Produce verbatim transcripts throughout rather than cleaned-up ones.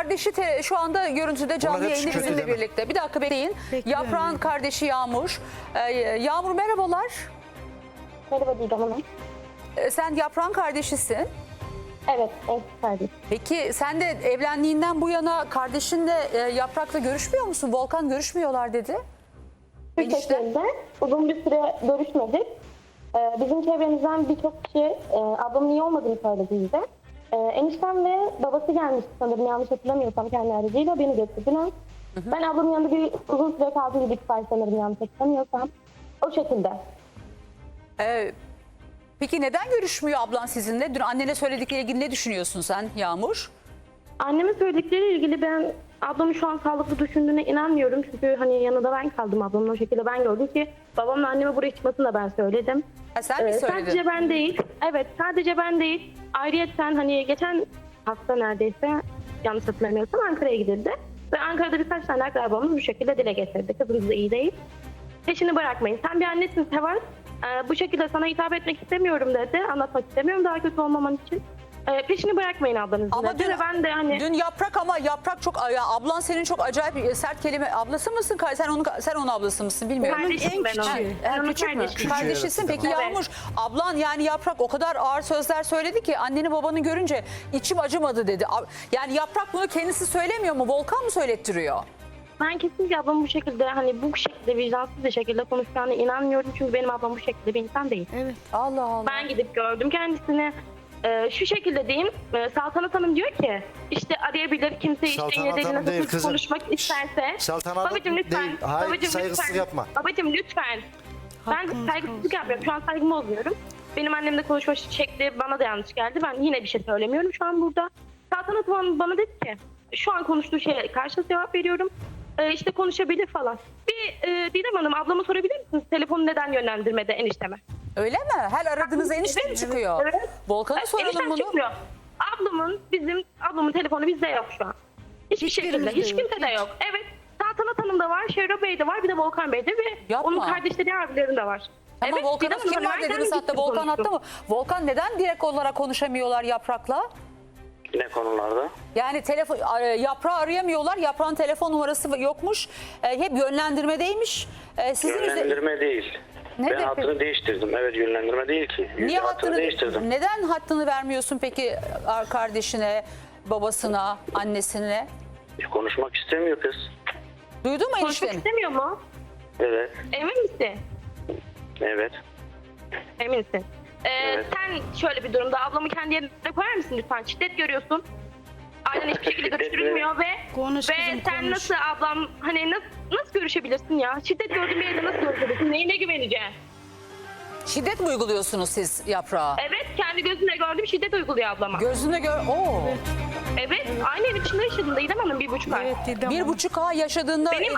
kardeşi te, şu anda görüntüde canlı Onlar hep yayında kötü bizimle deme. birlikte. Bir dakika bekleyin. Bekliyorum. Yaprağın kardeşi Yağmur. Ee, Yağmur merhabalar. Merhaba Didem Hanım. Ee, sen Yaprağın kardeşisin. Evet, evet kardeşim. Peki sen de evlendiğinden bu yana kardeşinle e, Yaprak'la görüşmüyor musun? Volkan görüşmüyorlar dedi. Şu Enişte. şekilde uzun bir süre görüşmedik. Ee, bizim çevremizden birçok kişi e, ablamın iyi olmadığını söyledi bize. Ee, eniştem ve babası gelmişti sanırım, yanlış hatırlamıyorsam kendi aracıyla beni götürdüler. Ben ablamın yanında bir uzun süre kaldım, bir iki ay sanırım, yanlış hatırlamıyorsam. O şekilde. Ee, peki neden görüşmüyor ablan sizinle? Dün annene söyledikleriyle ilgili ne düşünüyorsun sen Yağmur? Annemin söyledikleriyle ilgili ben ablamın şu an sağlıklı düşündüğüne inanmıyorum. Çünkü hani yanında ben kaldım ablamın, o şekilde ben gördüm ki babamla anneme buraya çıkmasını da ben söyledim. Ha, sen mi Ee, söyledin? sadece ben değil. Evet, sadece ben değil. Ayrıyeten hani geçen hafta neredeyse, yanlış hatırlamıyorsam, Ankara'ya gidildi. Ve Ankara'da birkaç tane akrabamız bu şekilde dile getirdi. Kızımız da iyi değil. Peşini bırakmayın. Sen bir annesin Seval. Ee, bu şekilde sana hitap etmek istemiyorum dedi. Anlatmak istemiyorum daha kötü olmaman için. Ee, peşini bırakmayın ablanızın Ama dedi. dün, Ve ben de hani... dün Yaprak ama Yaprak çok ya ablan senin çok acayip sert kelime ablası mısın? Sen onun sen onun ablası mısın bilmiyorum. Kardeşim en ben küçüğü. onun. Ha, Ben onun küçük mü? kardeşiyim. Kardeşisin. Peki Evet. Yağmur ablan yani Yaprak o kadar ağır sözler söyledi ki anneni babanı görünce içim acımadı dedi. A- Yani Yaprak bunu kendisi söylemiyor mu? Volkan mı söylettiriyor? Ben kesinlikle ablamın bu şekilde, hani bu şekilde vicdansız bir şekilde konuşacağına inanmıyorum. Çünkü benim ablam bu şekilde bir insan değil. Evet. Allah Allah. Ben gidip gördüm kendisini. Ee, şu şekilde diyeyim, e, Saltanat Hanım diyor ki işte arayabilir kimse, işte Saltanat yine Hanım değil nasıl kızım. konuşmak isterse. Saltanat Babacım lütfen. değil. Hayır, Babacım saygısızlık lütfen. yapma. Babacım lütfen. Ben Hakkınız saygısızlık olsun. yapmıyorum. Şu an saygımı bozuyorum. Benim annemle konuşma şekli bana da yanlış geldi. Ben yine bir şey söylemiyorum şu an burada. Saltanat Hanım bana dedi ki şu an konuştuğu şeye karşı cevap veriyorum. Ee, işte konuşabilir falan. Bir e, Didem Hanım, ablama sorabilir misiniz? Telefonu neden yönlendirmede enişteme? Öyle mi? Her aradığınız enişte mi çıkıyor? Evet. Volkan'a soralım Eniştem bunu. çıkmıyor. Ablamın, bizim ablamın telefonu bizde yok şu an. Hiçbir Hiçbirimizde şekilde. Hiç yok, kimse de yok. Evet. Saltanat Hanım da var, Şevra Bey de var, bir de Volkan Bey de ve Yapma. onun kardeşleri, abilerin de var. Ama evet, Volkan'a Didem Hanım, kim var ben dediniz kendim hatta gittim Volkan konuştum. attı mı? Volkan neden direkt olarak konuşamıyorlar Yaprak'la? Ne konularda? Yani telefon Yaprağı arayamıyorlar. Yaprağın telefon numarası yokmuş. E, hep yönlendirmedeymiş. E, sizin üzeri- Yönlendirme değil. Ne ben de- hattını değiştirdim. Evet, yönlendirme değil ki. Niye hattını, hattını değiştirdim? Neden hattını vermiyorsun peki kardeşine, babasına, annesine? Konuşmak istemiyor kız. Duydun mu Konuşmak enişteni? istemiyor mu? Evet. Emin misin? Evet. Eminsin. Ee, Evet. Sen şöyle bir durumda ablamı kendi yerine koyar mısın lütfen? Şiddet görüyorsun. Ailen hiçbir şekilde Şiddet mi? görüştürülmüyor ve Konuş ve kızım, sen konuş. nasıl ablam, hani nasıl, nasıl görüşebilirsin ya? Şiddet gördüğün bir yerde nasıl görüşebilirsin? Neyine güveneceksin? Şiddet mi uyguluyorsunuz siz Yaprağa? Evet, kendi gözümle gördüğüm şiddet uyguluyor ablama. Gözünde gör... Oo. Evet, aynı evin içinde yaşadım Didem Hanım bir buçuk ay. Evet Didem Bir Hanım. buçuk ay yaşadığında... Benim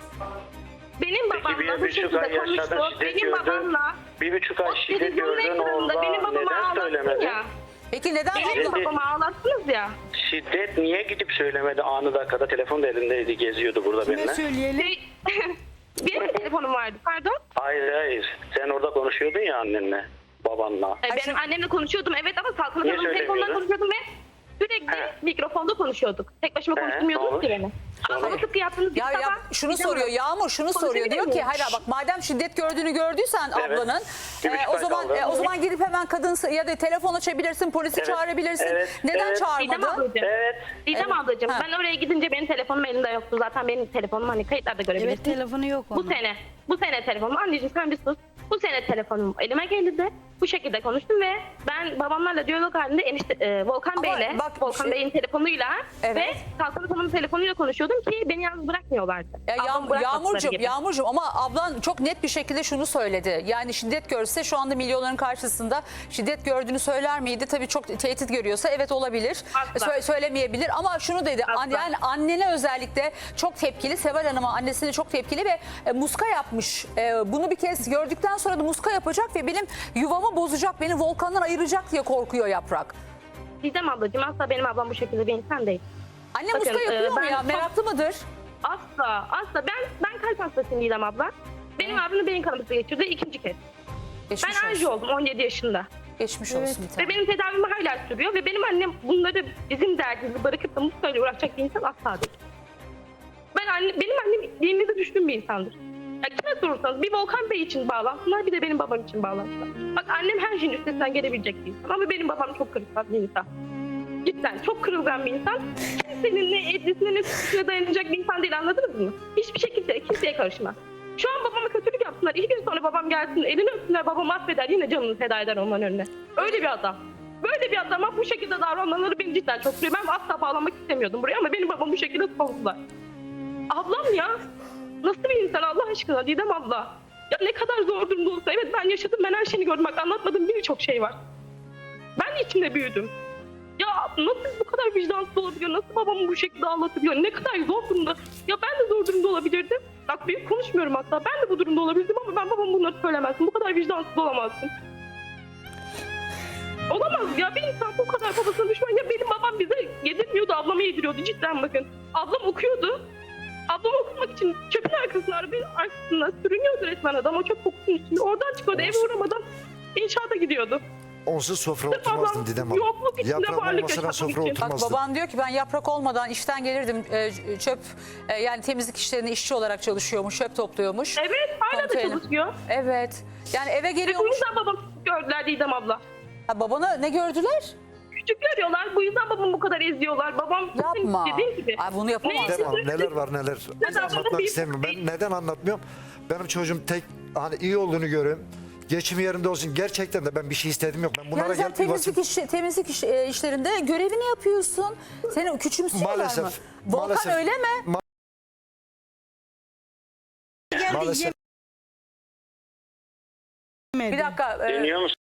benim Peki babamla bir bu buçuk şekilde ay yaşadın, konuştu. şiddet Benim gördün. babamla Bir buçuk ay o şiddet televizyonun gördün ekranında orada. benim babamı Neden ağlattın söylemedin? ya. Peki neden Benim abla... babamı ağlattınız ya. Şiddet niye gidip söylemedi? Anı dakikada telefon da elindeydi, geziyordu burada Kime benimle. söyleyelim? Şey, benim de telefonum vardı, pardon. Hayır hayır. Sen orada konuşuyordun ya annenle, babanla. Ee, Benim şimdi- annemle konuşuyordum evet, ama Saltanat Niye Hanım'ın telefonundan söylemiyordun? konuşuyordum ve sürekli He. mikrofonda konuşuyorduk. Tek başıma He, konuşturmuyordunuz olur. ki beni. Ama Olur. tıpkı yaptığınız gibi Ya, ya sabah şunu Didem soruyor Hanım, Yağmur şunu soruyor konuşabilir diyor ki miyim? hayır bak madem şiddet gördüğünü gördüysen Evet. ablanın Bir e, buçuk o ay zaman kaldı. e, o zaman gidip hemen kadın ya da telefon açabilirsin polisi Evet. çağırabilirsin. Evet. Neden Evet. Didem çağırmadın? ablacığım. Evet. Didem Evet. ablacığım Ha. ben oraya gidince benim telefonum elimde yoktu. Zaten benim telefonum hani kayıtlarda görebilirsin. Evet telefonu yok Bu onun. sene, bu sene telefonum. Anneciğim sen bir sus. Bu sene telefonum elime geldi. Bu şekilde konuştum ve ben babamlarla diyalog halinde enişte, e, Volkan Ama Bey'le, bak, Volkan şey- Bey'in telefonuyla Evet. ve Saltanat Hanım'ın telefonuyla konuşuyordum ki beni yalnız bırakmıyorlardı. Ya Ablamı Yağ- bırakmadıkları Yağmurcuğum, gibi. Yağmurcuğum ama ablan çok net bir şekilde şunu söyledi. Yani şiddet görse şu anda milyonların karşısında şiddet gördüğünü söyler miydi? Tabii çok tehdit görüyorsa evet olabilir. Asla. Sö- söylemeyebilir ama şunu dedi. Asla. An- yani annene özellikle çok tepkili. Seval Hanım'a annesine çok tepkili ve e, muska yapmış. E, bunu bir kez gördükten sonra da muska yapacak ve benim yuvamı bozacak, beni Volkan'dan ayıracak diye korkuyor Yaprak. Didem ablacığım asla benim ablam bu şekilde bir insan değil. Anne Bakın, muska yapıyor e, mu ben ya? çok- Meraklı mıdır? Asla, asla. Ben ben kalp hastasıyım Didem abla. Benim abim de beyin kanaması geçirdi ikinci kez. Geçmiş Ben anji olsun. oldum on yedi yaşında. Geçmiş Evet. olsun bir Ve tane. benim tedavim hala sürüyor ve benim annem bunları bizim derdimizi bırakıp da mutluyla uğraşacak bir insan asla değil. Ben anne, benim annem dinimize düşkün bir insandır. Ya kime sorursanız bir Volkan Bey için bağlantılar bir de benim babam için bağlantılar. Bak annem her şeyin üstesinden gelebilecek bir insan ama benim babam çok kırılgan bir insan. Cidden çok kırılgan bir insan. Kimsenin ne edrisine ne suçuna dayanacak bir insan değil, anladınız mı? Hiçbir şekilde kimseye karışmaz. Şu an babama kötülük yapsınlar. İki gün sonra babam gelsin elini öpsünler, babam affeder, yine canını feda eder onların önüne. Öyle bir adam. Böyle bir adama bu şekilde davranmaları beni cidden çok kırıyor. Ben asla bağlamak istemiyordum buraya ama benim babam bu şekilde savundular. Ablam ya. Nasıl bir insan Allah aşkına Didem abla. Ya ne kadar zor durumda olsa, evet ben yaşadım, ben her şeyini gördüm. Bak anlatmadığım birçok şey var. Ben de içinde büyüdüm. Ya nasıl bu kadar vicdansız olabiliyor? Nasıl babamı bu şekilde ağlatabiliyor? Ne kadar zor durumda. Ya ben de zor durumda olabilirdim. Bak büyük konuşmuyorum hatta. Ben de bu durumda olabilirdim ama ben babama bunları söylemezdim. Bu kadar vicdansız olamazdım. Olamaz ya, bir insan bu kadar babasına düşman. Ya benim babam bize yedirmiyordu, ablama yediriyordu cidden bakın. Ablam okuyordu. Ablam okumak için çöpün arkasına, arabanın arkasına sürünüyordu resmen adam. O çöp kokusunun üstünde. Oradan çıkıyordu, eve uğramadan inşaata gidiyordu. Onsuz sofra Sırf oturmazdım ablam Didem Hanım. yokluk içinde Yaprak varlık olmasına yaşamak sofra için. Bak oturmazdım. baban diyor ki ben yaprak olmadan işten gelirdim. E, çöp e, yani temizlik işlerinde işçi olarak çalışıyormuş, çöp topluyormuş. Evet, hala da Konteyner. çalışıyor. Evet. Yani eve Ve bu geliyormuş. yüzden babam gördüler Didem abla. Ha, babana ne gördüler? Küçük görüyorlar, bu yüzden babamı bu kadar eziyorlar. Babam Yapma. dediğim gibi. Ay, bunu yapamazsın. Didem Hanım neler var neler Neden? anlatmak istemiyorum. Ben neden anlatmıyorum? Benim çocuğum tek hani iyi olduğunu görüyorum. Geçim yerinde olsun. Gerçekten de ben bir şey istedim yok. Ben bunlara Yani sen gelip temizlik, iş, temizlik iş, e, işlerinde görevini yapıyorsun. Seni küçümsüyorlar Maalesef, mı? Volkan maalesef. öyle mi? Ma- Geldi Maalesef. yemedi. Bir dakika. e, Dinliyor musun?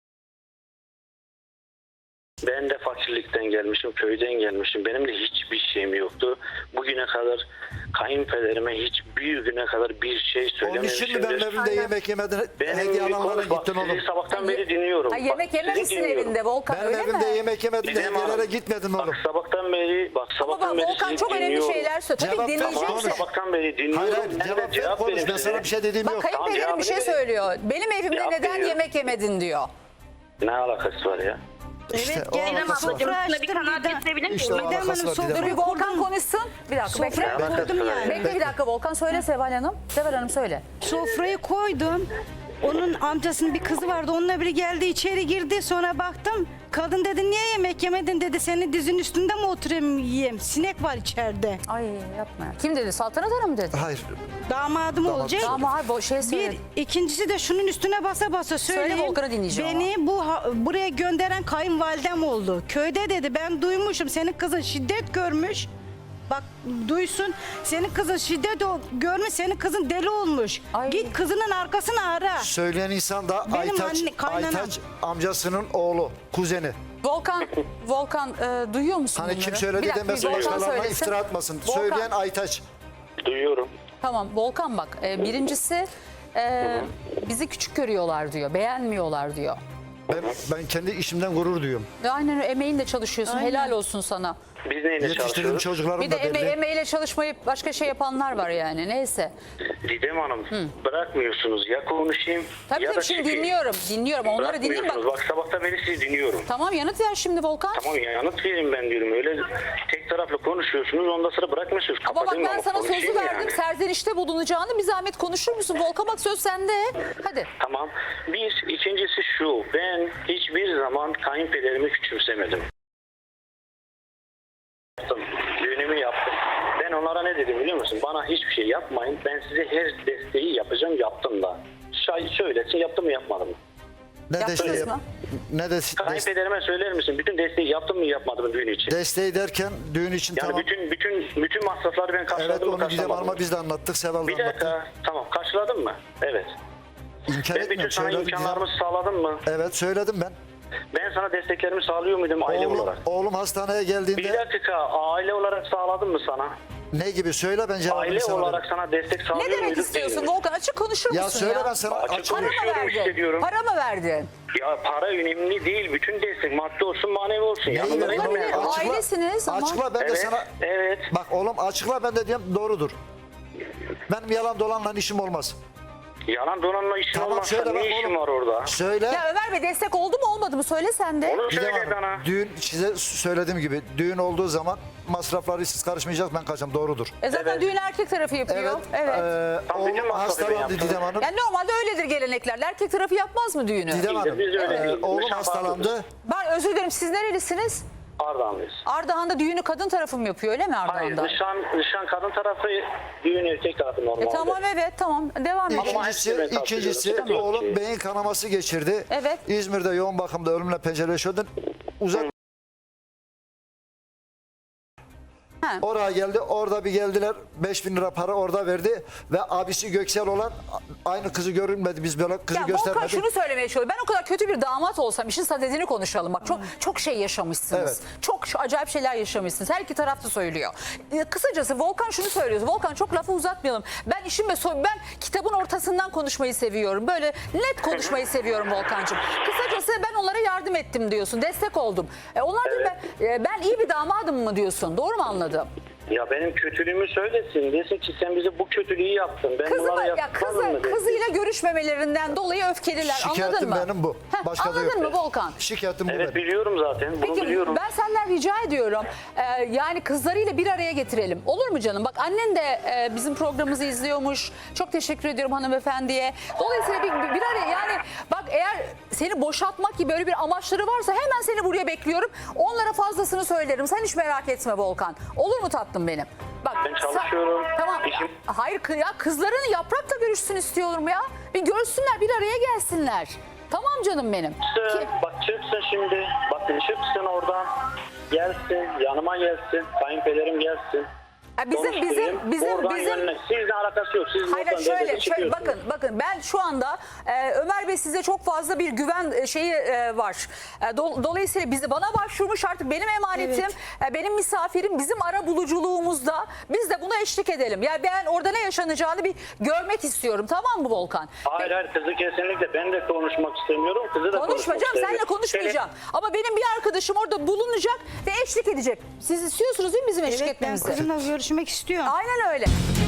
Ben de fakirlikten gelmişim, köyden gelmişim. Benim de hiçbir şeyim yoktu. Bugüne kadar kayınpederime hiçbir güne kadar bir şey Onun için söylememişimdir. mi benim evimde yemek yemedin? Benim Hediye bir alanlara konuş- bak, gittin oğlum. sizi sabahtan Ha, beri dinliyorum. ha, Bak, yemek sizi yememişsin dinliyorum. evinde Volkan Benim öyle evimde mi? yemek yemedin de Didem Hanım, hediyelere gitmedin oğlum. Bak sabahtan beri, bak Ama sabahtan bak beri Volkan sizi çok önemli dinliyorum. şeyler söylüyor. Tabii Cevap ver, dinleyeceksin. konuş. Tamam, sabahtan beri dinliyorum. Hayır hayır Ben de cevap ver konuş. verin Ben sana size. bir şey dediğim Bak yok. kayınpederim Tamam, bir şey cevabını verin. söylüyor. Benim evimde Cevap neden veriyorum. yemek yemedin diyor. Ne alakası var ya? İşte Evet, o geldim alakası var. ablacığım. Sofra Sofra bir açtım kanal Didem. getirebilir miyim? İşte o Didem alakası Hanım, var sofra Didem Dur bir Hanım. Volkan kurdum. konuşsun. Bir dakika bekle. Sofra alakası kurdum var? yani. Bekle bir dakika Volkan söyle Seval Hanım. Seval Hanım söyle. Sofrayı koydum. Onun amcasının bir kızı vardı. Onunla biri geldi, içeri girdi. Sonra baktım. Kadın dedi niye yemek yemedin dedi. Senin dizin üstünde mi oturayım yiyeyim? Sinek var içeride. Ay yapma ya. Kim dedi? Saltanat Hanım mı dedi? Hayır. Damadım Damat olacak. söyledi. Ama hayır bu şey söyledi. Bir, ikincisi de şunun üstüne basa basa söyleyeyim. Volkan'ı dinleyeceğim Beni bu ha- buraya gönderen kayınvalidem oldu. Köyde dedi ben duymuşum senin kızın şiddet görmüş. Bak duysun senin kızın şiddet o- görmüş, senin kızın deli olmuş. Ay. Git kızının arkasını ara. Söyleyen insan da Benim Aytaç, anne- kaynanam. Aytaç amcasının oğlu, kuzeni. Volkan, Volkan e, duyuyor musun Hani bunları? kim söyledi Bir dakika, bir demesin, Volkan başkalarına söylesin. iftira atmasın. Volkan, Söyleyen Aytaç. Duyuyorum. Tamam Volkan bak e, birincisi e, bizi küçük görüyorlar diyor. Beğenmiyorlar diyor. Ben, ben kendi işimden gurur duyuyorum. Ve aynen öyle, emeğinle çalışıyorsun. Aynen. Helal olsun sana. Biz neyle Yetiştirdiğim çalışıyoruz? çocuklarım Bir de da eme belli. emeğiyle çalışmayıp başka şey yapanlar var yani. Neyse. Didem Hanım bırakmıyorsunuz. Ya konuşayım Tabii ya da tabii şimdi çıkayım. dinliyorum. Dinliyorum. Onları dinleyeyim bak. Bırakmıyorsunuz. Bak sabahtan beri sizi dinliyorum. Tamam yanıt ver şimdi Volkan. Tamam ya yanıt verin ben diyorum. Öyle tek taraflı konuşuyorsunuz ondan sonra bırakmıyorsunuz. Ama bak Kapatın ben ama sana sözü konuşayım verdim. yani. Serzenişte bulunacağını bir zahmet konuşur musun? Volkan bak söz sende. Hadi. Tamam. Bir, ikincisi şu. Ben hiçbir zaman kayınpederimi küçümsemedim. Yaptım. Düğünümü yaptım. Ben onlara ne dedim biliyor musun? Bana hiçbir şey yapmayın. Ben size her desteği yapacağım. Yaptım da. Şay söylesin yaptım mı yapmadım mı? Ne Yaptınız desteği, mı? ne de, des, Kayınpederime söyler misin? Bütün desteği yaptım mı yapmadım mı düğün için? desteği derken düğün için Yani tamam. bütün bütün bütün masrafları ben karşıladım Evet mı onu Didem karşılamadım Hanım'a mı? biz de anlattık. Seval da Bir anlattı. dakika. Tamam karşıladın mı? Evet. İnkar Ben bütün etmiyorum. sana Söyledim. imkanlarımı sağladım mı? Evet söyledim ben. Ben sana desteklerimi sağlıyor muydum aile Oğlum, olarak? oğlum hastaneye Bir geldiğinde dakika aile olarak sağladım mı sana? ne gibi söyle ben cevabını Aile sana olarak veririm. sana destek sağlıyor Ne demek muyduk, istiyorsun değil mi? Volkan? Açık konuşur musun Ya söyle ya? ben sana Açık açık Para mı konuşuyorum işte verdin? diyorum. Para mı verdin? Ya para önemli değil. Bütün destek maddi olsun manevi olsun. Neyi Yanında vereyim değil mi? oğlum? Olabilir, ailesiniz ama- Açıkla ben de Evet, sana. evet. Bak oğlum açıkla ben de diyeyim doğrudur. Benim yalan dolanla işim olmaz. Yalan dolanma işin Tamam, olmazsa söyle bak ne işin oğlum. var orada? Söyle. Ya Ömer Bey destek oldu mu olmadı mı söyle sen de. Onu Didem söyle Hanım, bana. düğün size söylediğim gibi düğün olduğu zaman masrafları siz karışmayacak, ben kaçacağım, doğrudur. E zaten Evet. düğün erkek tarafı yapıyor. Evet. Evet. Ee, Tam bütün oğlum masrafı ben hastalandı yaptım. Didem Hanım. Yani normalde öyledir geleneklerde. Erkek tarafı yapmaz mı düğünü? Didem Hanım, Biz öyle e, değiliz. oğlum Nişan hastalandı. farklıdır. Ben özür dilerim, siz nerelisiniz? Ardahanlıyız. Ardahan'da düğünü kadın tarafı mı yapıyor öyle mi Hayır, Ardahan'da? nişan, nişan kadın tarafı, düğün erkek tarafı normalde. E tamam evet tamam devam edin. Ama İkincisi, hepsini ben ikincisi takip ediyorum. oğlum beyin kanaması geçirdi. Evet. İzmir'de yoğun bakımda ölümle pencereleşiyordu. Uzak Ha. oraya geldi. Orada bir geldiler. beş bin lira para orada verdi. Ve abisi Göksel olan aynı kızı görünmedi. Biz böyle kızı Ya Volkan göstermedik. şunu söylemeye çalışıyorum. Ben o kadar kötü bir damat olsam işin sadedini konuşalım. Bak çok çok şey yaşamışsınız. Evet. Çok şu acayip şeyler yaşamışsınız. Her iki taraf da söylüyor. Ee, kısacası Volkan şunu söylüyor. Volkan çok lafı uzatmayalım. Ben işin ve so- ben kitabın ortasından konuşmayı seviyorum. Böyle net konuşmayı seviyorum Volkancığım. Kısacası ben onlara yardım ettim diyorsun. Destek oldum. E, onlar diyor ben, e, ben iyi bir damadım mı diyorsun? Doğru mu anladım? Ya benim kötülüğümü söylesin. Desin ki sen bize bu kötülüğü yaptın. Ben Kızı, bunlara ya yapmadım kızı, mı desin. kızıyla görüşmemelerinden dolayı öfkeliler. Anladın Şikayetim mı? benim bu. Heh, Başka da anladın yok. mı Volkan? Şikayetim bu Evet benim. biliyorum zaten. Bunu Peki biliyorum. ben senden rica ediyorum. Ee, yani kızlarıyla bir araya getirelim. Olur mu canım? Bak annen de e, bizim programımızı izliyormuş. Çok teşekkür ediyorum hanımefendiye. Dolayısıyla bir, bir araya yani bak eğer seni boşaltmak gibi böyle bir amaçları varsa hemen seni buraya bekliyorum. Onlara fazlasını söylerim. Sen hiç merak etme Volkan. Olur mu tatlım benim? Bak, Ben çalışıyorum. sen- tamam. İşim- Hayır kı- ya kızların Yaprak'la görüşsün istiyorum ya. Bir görsünler, bir araya gelsinler. Tamam canım benim. Çıksın, Ki- bak çıksın şimdi. Bakın çıksın oradan. Gelsin, yanıma gelsin. Kayınpederim gelsin. Ya bizim bizim Konuşturayım. bizim Oradan bizim yönlen- Sizle alakası yok. Siz Hayır oradan şöyle, devlete şöyle çıkıyorsunuz. bakın bakın ben şu anda e, Ömer Bey size çok fazla bir güven e, şeyi e, var. E, do- dolayısıyla bizi bana başvurmuş artık benim emanetim, e, benim misafirim, bizim ara buluculuğumuzda biz de buna eşlik edelim. Yani ben orada ne yaşanacağını bir görmek istiyorum, tamam mı Volkan? Hayır hayır kızı kesinlikle ben de konuşmak istemiyorum. Kızı da Konuşmayacağım, konuşmak seninle istemiyorum. konuşmayacağım. Ama benim bir arkadaşım orada bulunacak ve eşlik edecek. Siz istiyorsunuz değil mi bizim eşlik Evet ben etmemizi? kızımla görüşmek istiyorum. Aynen öyle.